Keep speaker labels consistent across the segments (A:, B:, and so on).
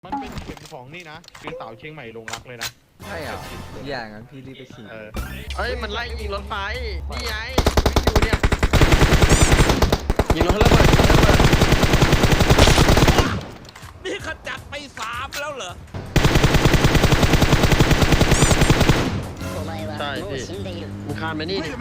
A: มันเป็นเข็มของนี่นะคือสาวเชียงใหม่ลงรักเลยนะ
B: ใช่เหรออย่างนั้นพี่รีบไปฉีด
C: เอ้ยมันไล่ยิงรถไฟนี่ไงวิ่งอยู่เนี่ยยิงรถระเบิด
D: นี่ขจัดไป3แล้วเหรอ
C: ใช่พี่มึงคานไปนี่ดิ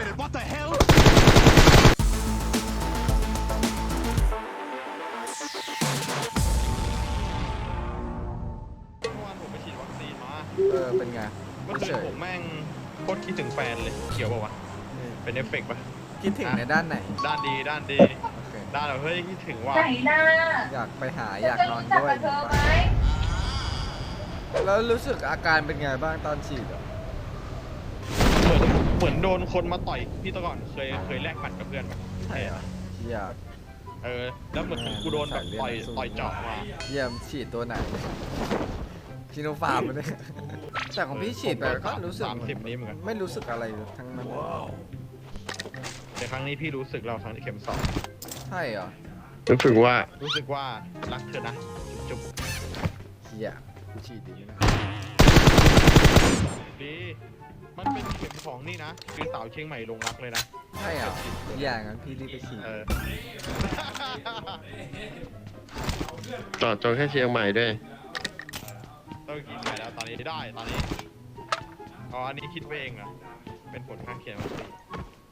A: ผมไปฉีดวัคซีนมา
B: เป็นไง
A: เมื่อคืนผมแม่งโคตรคิดถึงแฟนเลยเขียวป่าวะเป็นเอฟเฟกต์ปะ
B: คิดถึงในด้านไหน
A: ด้านดีด้านแบบเฮ้ยคิดถึงว่า
B: อยากไปหาอยากนอนด้วยแล้วรู้สึกอาการเป็นไงบ้างตอนฉีดอ่ะ
A: เหมือนโดนคนมาต่อยพี่ตะก่อนเคยแลกหมัดกับเพื่อนปะ
B: ใช่เหรออยาก
A: แล้วเหมือนกูโดนแบบต่อยเจาะมา
B: เยี่ยมฉีดตัวไหนชิโนฟาร์มเลยแต่ของพี่ฉีดไปก็รู้สึก
A: 30นี้เหมือนกัน
B: ไม่รู้สึกอะไรทั้งนั้น
A: แต่ครั้งนี้พี่รู้สึกเราครั้งที่เข็ม2
B: ใช่เหรอ
C: รู้สึกว่า
A: รักเธอนะจุ๊บ
B: เฮียฉีดดีนะ
A: ดีมันเป็นเข็มของนี่นะคือสาวเชียงใหม่ลงรักเลยนะ
B: ใช่เหรออย่างนั้นพี่รีบไปฉีด
C: ต่อจงแค่เชียงใหม่ด้วย
A: ต้องกินไปแล้วตอนนี้อันนี้คิดไปเองเหรอเป็นผลข้างเคียงวัคซีน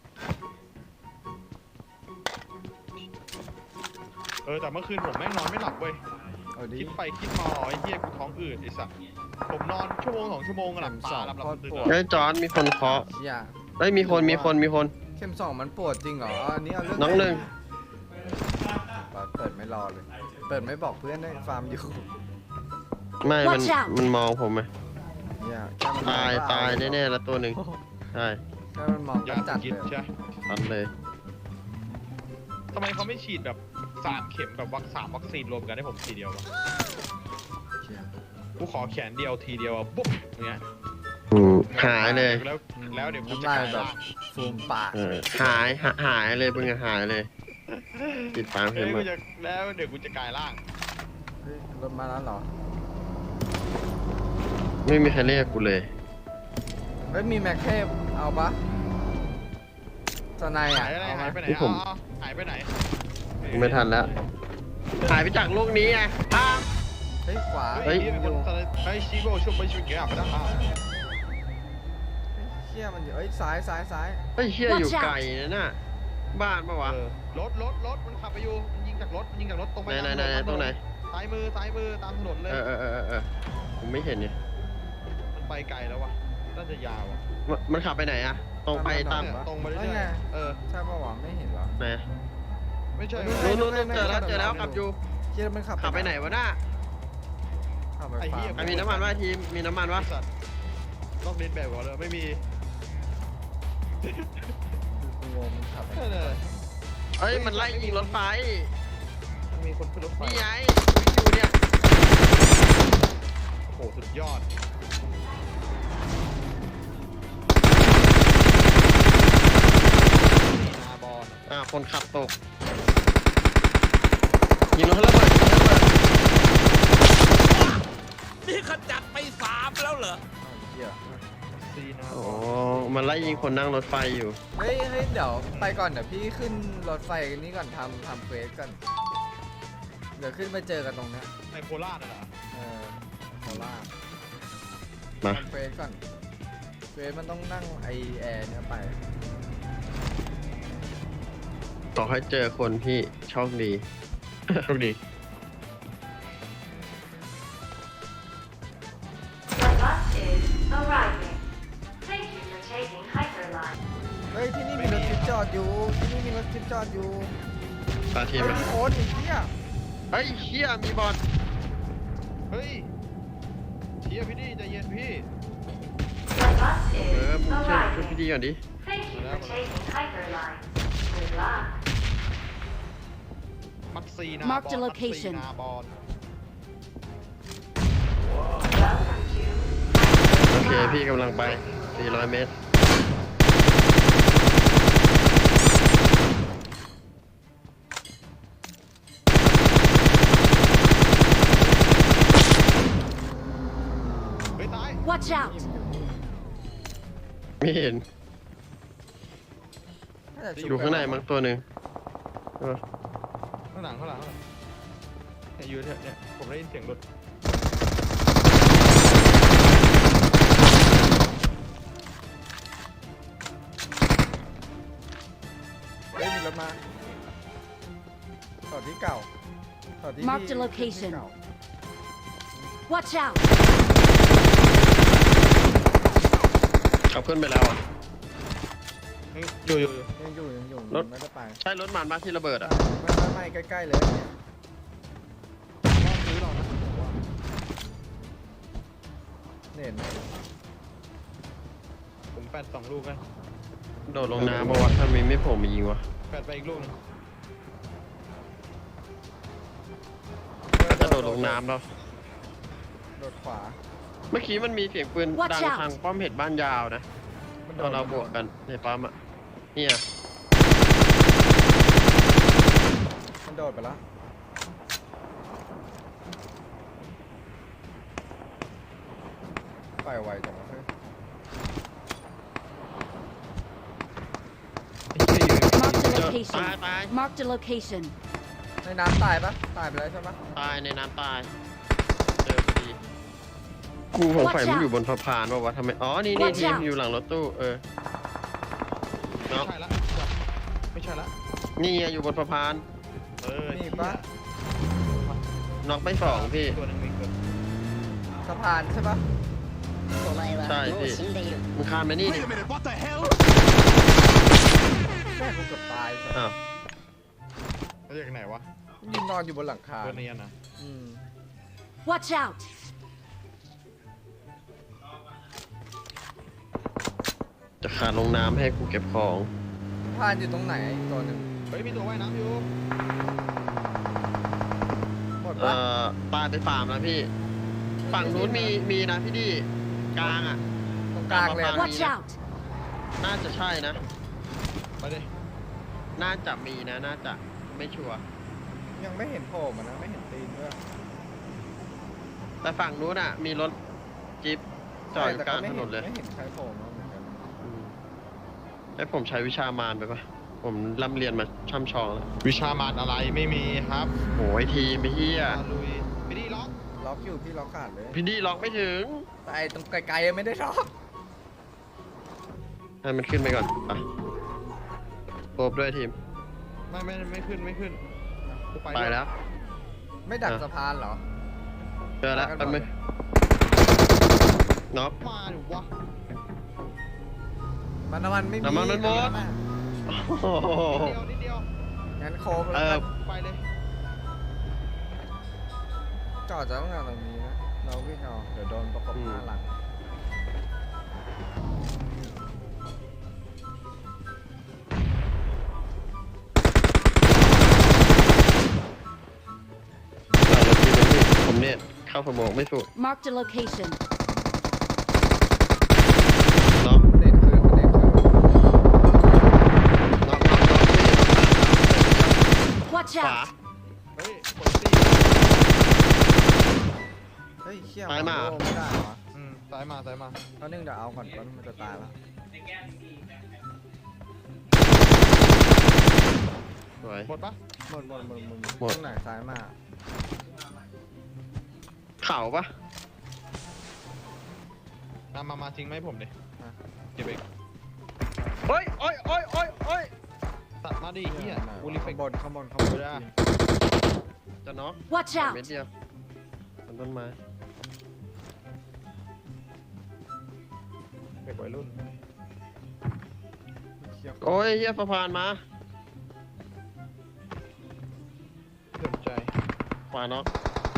A: แต่เมื่อคืนผมแม่งนอนไม่หลับเว้ยคิดไปคิดมาไอ้เหี้ยกูท้องอืดไอ้สัสผมนอนชั่วโมง2 ชั่วโมงหลับตาหลับตื่น
C: ไอ้จอนมีคนเคาะเฮ้ยมีคน
B: เข็ม2มันปวดจริงเหรออันนี้เอาเรื่อง
C: น้องหนึ่ง
B: เปิดไม่รอเลยเปิดไม่บอกเพื่อนได้ฟาร์มอยู่
C: ไม่มันมองผมไหมตายแน่ๆแล้วตัวหนึ่งใช่
B: แค่มันมองจัดเลย
A: ใช่
C: ตัดเลย
A: ทำไมเขาไม่ฉีดแบบ3 เข็มแบบวัคซีนรวมกันให้ผมทีเดียววะกูขอแขนเดียวทีเดียวปุ๊บอย่างเงี้ย
C: หายเลย
A: แล้วเดี๋ยวกูจะกลายแบบ
B: ฟูมปาก
C: หายเลยมึงหายเลยติดปากเข็ม
A: แล้วเดี๋ยวกูจะกลายร่าง
B: รถมาแล้วเหรอ
C: ไม่มีใครเรียกกูเลย
B: มีแม็กเทพเอาปะสไนอ่ะ
A: หายไปไหนหายไปไหน
C: ไม่ทันแล้วหายไปจากโลกนี้ไง
B: เฮ้ยขวา
A: ชีโร่ช่วยไปช่วยเกี่ยวกับด้านข้าง
B: เชี่ยมันอยู่ซ้าย
C: เฮ้ยเชี่ยอยู่ไกลนะน่ะบ้านปะวะ
A: รถมันขับไปอยู่มันยิงจากรถตรงไป
C: ไหนตรงไหน
A: ซ้ายมือตามถนนเลย
C: ผมไม่เห็นเนี่ย
A: มันไปไกลแล้ววะน่าจะยาวอ่ะ
C: มันขับไปไหนอะตรงไปตาม
A: ตรงไปเรื่อย
B: ใช่ปะวะไม่เห็นหรอ
C: ไหน
A: ไม่ใช่
C: นู้นเจอแล้วขับอยู่
B: เชี่ยมันขับ
C: ไปไหนวะน่ะ
A: ไอ้เหี้ย
C: มีน้ำมันวะทีมมีน้ำมันวะ
A: ต้องเล่นแบบก่อนเลยไม่มี
B: งงมันขับ
C: เอ้ยมันไล่ยิงรถไฟ
A: มีคนขึ้นรถไฟ
C: นี่ไงวิ่งอยู่เนี่ย
A: โอ้โหสุดยอดนาบอล
C: คนขับตกยิงรถระเบิด
D: นี่ขจัดไป3แล้วเหรอ
C: โอ้มันไล่ยิงคนนั่งรถไฟอยู่
B: เฮ้ยเดี๋ยวไปก่อนเดี๋ยวพี่ขึ้นรถไฟกันนี้ก่อนทำเควสกันเดี๋ยวขึ้นไปเจอกันตรงนี้
A: ในโคราชน่ะเหรอ
B: โคราช
C: มา
B: เควสก่อนเควสมันต้องนั่งไอแอร์เนี่ยไป
C: ต่อให้เจอคนพี่โชคดี
B: เฮ้ยที่นี่มีรถจิ๊บจอดอยู่
C: ตาทีม
B: มีคนอีกเนี่ย
C: เฮ้ยเชี่ยมีบอล
A: เฮ้ยเชี่ยพี่ดีใจเย็นพี่
C: มึงช่วยพี่ดีก่อนดิ
A: มักซีนาบอล
C: โอเคพี่กำลังไป400 เมตร
E: Watch out!
C: ไม่เห็น
B: น่าจะ
C: อยู่ข้างในมั้งตัวหนึ่งเออ
A: ข้างหลังเนี่ยอยู่เนี่ยผมได้ยินเสียงรถ
B: เฮ้ยมีรถมาต่อที่เก่าต่อที่
E: Mark the
B: ที่
E: location
B: เก่า
E: Watch out!
C: เขาขึ้นไปแล้วอะ
A: อยู่
B: ยังอยู่
C: รถ
B: ไม่ได้ไป
C: ใช่รถมันมาที่ระเบิดอ่ะ
B: ไม่ใกล้ๆเลยเนี่ย
A: รอบซื้อเรานะผมว่า
B: เห็นไหม
A: ผมแปดสองลูกกัน
C: โดดลงน้ำมาวะถ้ามีไม่โผล่มายิงวะ
A: แปดไปอีกลูกนึง
C: จะโดดลงน้ำแล้ว
B: โดดขวา
C: เมื่อกี้มันมีเสียงปืน
E: Watch
C: ดัง
E: out
C: ทางป้อมเห็ดบ้านยาวนะ
B: มัน
C: ตอนเราบวกกันในปั๊มอ่ะเนี่ย
B: มันโดดไปแล้วไปไวจังวะเฮ้ย
E: Mark the
C: ตาย
E: location.
C: ตาย
E: Mark the location.
B: ในน้ำตายปะตายไปแล้วใช่ปะ
C: ตายในน้ำตายเจอพอดีกูสงสัยมันอยู่บนสะพานป่าวะทำไมอ๋อนี่
E: Watch
C: ทีม
E: out
C: อยู่หลังรถตู้
A: ไม่
C: เนาะ
A: ใช่ละไม่ใช่ละ
C: นี่ไงอยู่บนสะพาน
B: มีปะ
C: น็อกไม่สองพี่
A: ตัวหนึงมีเกิด
B: สะพานใช่ปะ
C: ใช่พี่มึงข้ามไปนี่ดิ
B: แม่กูเกือบตายสัส
C: อ้าว
A: เขาจากไหนวะ
B: ยืนนอนอยู่บนหลังคา
A: ตัวเนียนนะ
B: อืม
E: Watch out!
C: จะขาดลงน้ำให้กูเก็บของ
B: สะพานอยู่ตรงไหนอีกตัวหนึ่ง
A: เฮ้ยมีตัวว่ายน้ำอยู่
B: หมด
C: เอ่
B: ปะ
C: ตายไปฟาร์มแล้วพี่ ฝั่งนู้นมีนะพี่ดิกลางอ่ะ
B: ตรงกลางเลยอะ
E: Watch out!
C: น่าจะใช่นะ
A: ไปดิ
C: น่าจะมีนะ น่าจะไม่ชัวร์
B: ยังไม่เห็นโผล่มานะไม่เห็นตีนด้วย
C: แต่ฝั่งนู้นอ่ะ มีรถจิ๊บจอดอยู่
B: แต่
C: กลางถนนเลย
B: ไม่เห็นใครโผล่มาเหมือนกัน
C: ให้ผมใช้วิชามารไปปะผมร่ำเรียนมาช่ำชองแล้ว
A: วิชามารอะไรไม่มีครับ
C: โอ้ยทีมไม่เฮีย
A: ลุยไปดิล็อก
B: ล็อกอยู่พี่ล็อกขาดเลย
C: พี่ดีล็อกไม่ถึง
B: แต่ไอ้ตรงไกลๆยังไม่ได้ล็อก
C: ให้มันขึ้นไปก่อนไปโอบด้วยทีม
A: ไม่ขึ้นกู
C: ไปแล้ว
B: ไม่ดักสะพานเหรอ
C: เจอแล้ว
B: ไปกัน
C: แป๊บนึง
B: ก่อน
C: น็อก
A: มาดิวะ
B: น้ำมันไม่มี
C: น้ำมันมันหมด โอ้โห
A: นิดเดียว
B: งั้นโค้ง
C: เอ
B: แล้ว
C: อ
B: กัน
A: ไปเลย
B: จอดจากตรงนั้นตรงนี้นะเราวิ่งเอาเดี๋ยวโดนประกบหน้าหลัง
C: หลังรถทีมเลยพี่ผมเนี่ยเข้าสมองไม่สุด
E: Mark the location.
C: น็อก
B: เด่นคืนเด่นคืน
C: น็อกพี่
E: Watch
C: ขวา
E: out!
A: เฮ้ยกดตี
B: เฮ้ยเขี้ยว
C: ซ้ายมา
B: โอ้ไม่ได้เหรอ
A: ซ้ายมา
B: ตอนนึงเดี๋ยวเอาก่อนตอนมันจะตายแล้ว
C: สวย
A: หมดปะ
B: หมด
C: หมด
B: ตรงไหนซ้ายมา
C: เข่าปะ
A: มาทิ้งไหมาให้ผมดิเก็บเอง
C: เฮ้ยโอ้ยโอ้ยโอ้ยโอ้ย
A: ตัดมาดิเฮียบูริเฟ
B: ข้าก งบนข้างบน
A: ได้
C: จะน็อก
E: Watch
C: เม็ด
E: out!
C: เดียวบนต้นไม้
A: เด็กวัยรุ่น
B: เขี้ยว
C: โอ้ยเฮียสะพานมา
A: สนใจ
C: ขวาน็อก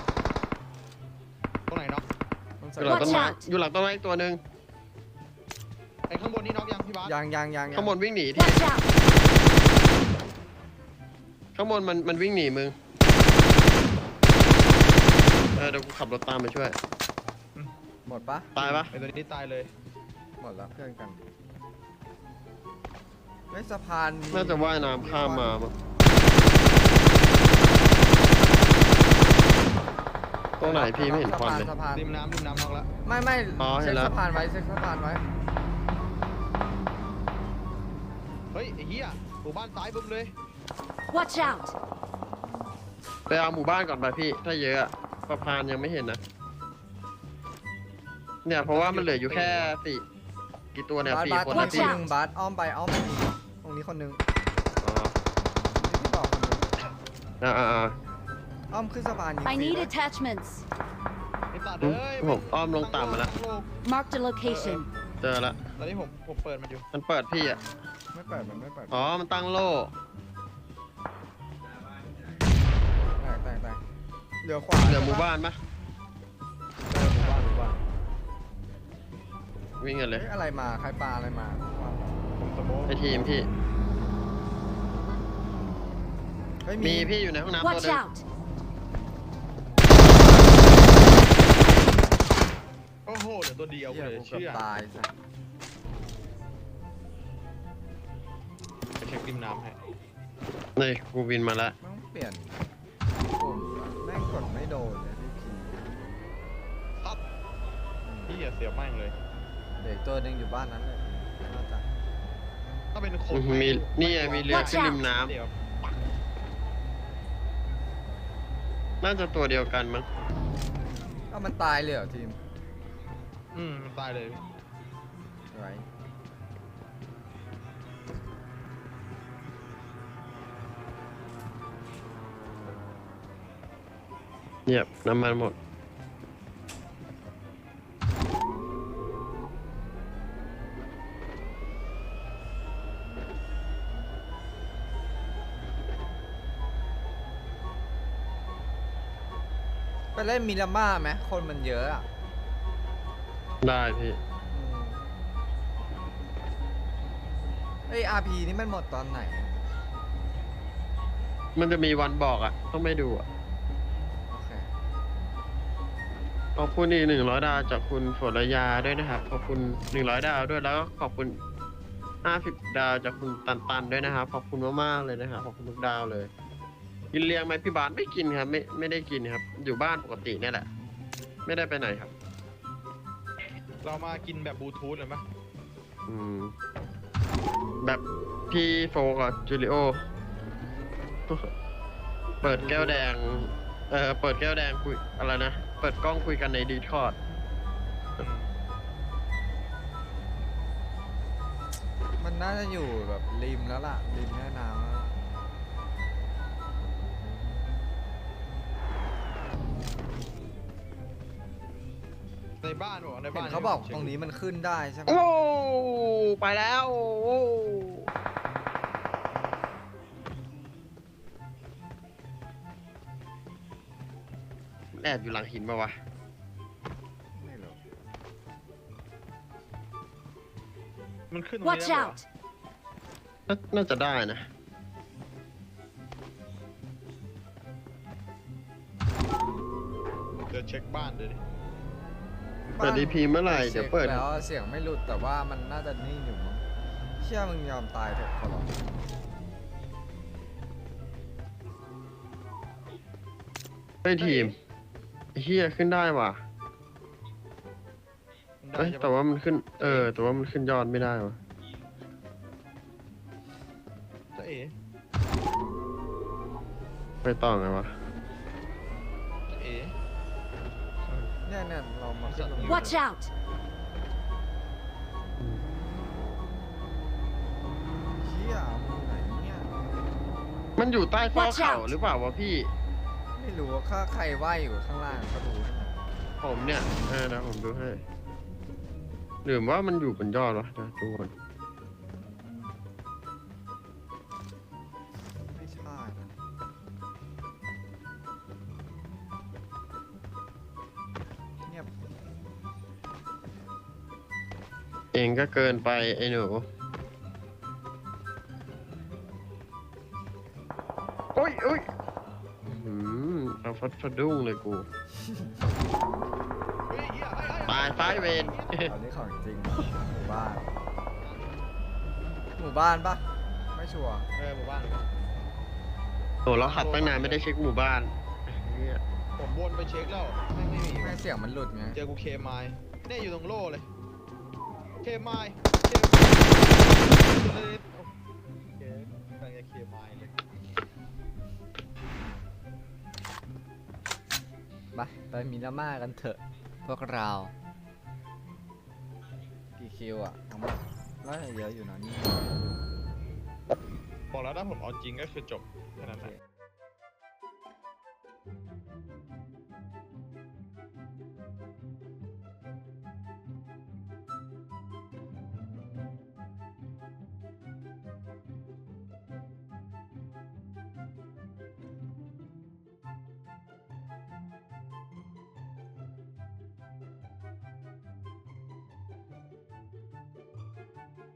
A: ตรงไหนน็อก
B: มัน
C: อ
B: ใส่
C: ยู่หลังต้นไม้
E: Watch out
C: อยู่หลังต้นไม้อีกตัวหนึ่ง
A: ไอ้ข้างบนนี่น็อกยังพี่บาส
B: ยัง
C: ข้างบนวิ่งหนีที่
E: Watch out!
C: ข้างบนมันวิ่งหนีมึงเดี๋ยวกูขับรถตามไปช่วย
B: หมดปะ
C: ตายปะ
A: ไอ้ตัวนี้ตายเลย
B: หมดแล้วเพื่อนกันไอ้สะพาน
C: น่าจะว่ายน้ำข้ามมามั้งตรงไหนพี่ไม่เห็นควันเลย
B: สะพาน
A: ริมน้ำนอกแล้ว
B: ไม่
C: อ๋อเห็
B: เช็
C: น
B: ค
C: แล้ว
B: สะพานไว้เช็คสะพานไว้
A: เฮ้ยไอ้เหี้ยหมู่บ้านซ้ายบึ้มเลย
E: Watch out!
C: ไปเอาหมู่บ้านก่อนไปพี่ ถ้าเยอะอะสะพานยังไม่เห็นนะ เนี่ยเพราะว่ามันเหลืออยู่แค่สี่กี่ตัวเนี่ย
B: บาส
C: สี่
B: บาส
C: คน
B: ตร
C: นะ
B: ง
C: พี่
B: ที่หนึ่งบาสอ้อมไปตรงนี้คนหนึง
C: อ๋อ
B: ที่บอกคนหนึง อ้อมขึ้นสะพานยิง
E: I
B: ฟรี
E: need
B: ไว้
E: attachments.
A: ไอ้ตัดเอ้ย
C: ผมอ้อมลงต่ำมาแล้ว
E: Marked a location.
C: เจอละ
A: ตอนนี้ผมเปิดมันอยู่
C: มันเปิดพี่อ่ะ
B: ไม่เปิดมันไม่เปิด
C: อ๋อ มันตั้งโล่
B: แตกเหลือขวา
C: เหลือหมู่บ้านปะ
A: หมู่บ้าน
C: วิ่งกันเลย
B: เฮ้ยอะไรมาใครปลาอะไรมา
A: ผมสโมก
C: ไอทีมพี่
B: เฮ้ย
C: มีพี่อยู่ในห้องน้ำตัว
E: Watch
C: หนึง
E: out!
A: โอ้โหเดี๋ยวตัวเดียว
B: เหี้ย
A: เลย
B: กูเกือบ
A: เชื่อ
B: ตายสัส
A: ไปเช็คริมน้ำให้
C: นี่กูวินมาแล้ว
B: แม่งเปลี่ยนปุ่มแม่งกดไม่โดนเลยที่พี
A: ครับพี่อย่าเสียบแม่งเลย
B: เด็กตัวหนึงอยู่บ้านนั้นเลยน่าจะ
A: ถ้าเป็นคน
C: มีนี่ไงมีเรือ
E: Watch
C: ขึ้นริมน้
A: เดี๋ยว
C: ำน่าจะตัวเดียวกันมั้ง
B: เอ้ามันตายเลยเหรอทีม
A: มันตายเลย
B: ไร
C: เงียบน้ำมันหมด
B: ไปเล่นมิราม่าไหมคนมันเยอะอ่ะ
C: ได้พี่
B: เอ้ย RP นี่มันหมดตอนไหนอะ
C: มันจะมีวันบอกอ่ะ ต้องไม่ดูอ่ะ
B: โอเค
C: ขอบคุณอีก100 ดาวจากคุณฝนระยาด้วยนะครับ ขอบคุณ100 ดาวด้วย แล้วก็ขอบคุณ50 ดาวจากคุณตันด้วยนะครับ ขอบคุณมากๆเลยนะครับ ขอบคุณทุกดาวเลย กินเลี้ยงไหมพี่บาสไม่กินครับ ไม่ได้กินครับ อยู่บ้านปกติเนี่ยแหละ ไม่ได้ไปไหนครับ
A: เรามากินแบบบลูทูธเลยไหม
C: อืม แบบพี่โฟกับจูริโอ เปิดแก้วแดง เปิดแก้วแดงคุยอะไรนะ เปิดกล้องคุยกันในดีคอร์ด
B: มันน่าจะอยู่แบบริมแล้วล่ะ ริมแม่น้ำแล้วล่ะ
A: ในบ้านบอกว่าใน
B: เห็
A: บ้าน
B: นเขาบอกตรงนี้มันขึ้นได้ใช่ไหม
C: โอ้ ไปแล้วโอ้แอบอยู่หลังหินมาวะ
B: ไม่รู้
A: มันขึ้นตรงนี้
E: Watch
A: ได้ปะวะ
E: out!
C: น่าจะได้นะ
A: เดี๋ยวเช็คบ้านเดี๋ยวดิ
C: เปิด DP เมื่อไหร่เดี๋ยวเปิด
B: ช็คแล้วเสียงไม่หลุดแต่ว่ามันน่าจะนิ่งอยู่มั้งเชื่อมึงยอมตายเถอะขอร้อง
C: เฮ้ยทีมไอ้เฮียขึ้นได้ว่ะ
A: ได้
C: เอ้ย
A: ใช่ปะ
C: แต่ว่ามันขึ้น แต่ว่ามันขึ้นยอดไม่ได้ว่ะ
A: จะเอ๋
C: ไปต่อไงวะ
A: จะเอ๋
B: เนี่ยเรามาขึ้นตรงนี้
E: Watch out!
B: เชี่ยมึงไหนเนี่ย
C: มันอยู่ใต้ฟอก
E: Watch
C: เขา
E: out
C: หรือเปล่าวะพี่
B: ไม่รู้ว่าใครว่ายอยู่ข้างล่างก็ดูให้หน่อย
C: ผมเนี่ยนะผมดูให้หรือว่ามันอยู่บนยอดวะนะทุกคน
B: ไม่ใช่นะเงียบ
C: เองก็เกินไปไอ้หนูโอ้ยเอาฟัดสะดุ้งเลยกู
A: เฮ้ยเหี้ย
C: ตายไฟเวน
B: อันนี้ของจริงหมู่บ้าน หมู่บ้านปะไม่ชัวร์
A: หมู่บ้าน
C: โหเราขับตั้งนานไม่ได้เช็คหมู่บ้านเหี้ย
A: ผมวนไปเช็คแล้วไม่มี
B: แม่งเสียงมันหลุดไง
A: เจอกูเคมายเนี่ยอยู่ตรงโล่เลยเคมายเลยโอเคกำลังจะเคมายเลย
B: ไปมิราม่ากันเถอะพวกเรากี่คิวอ่ะทั้งหมดน่าจะเยอะอยู่นะนี่
A: บอกแล้วถ้าผมเอาจริงก็คือจบแค่นั้นแหละ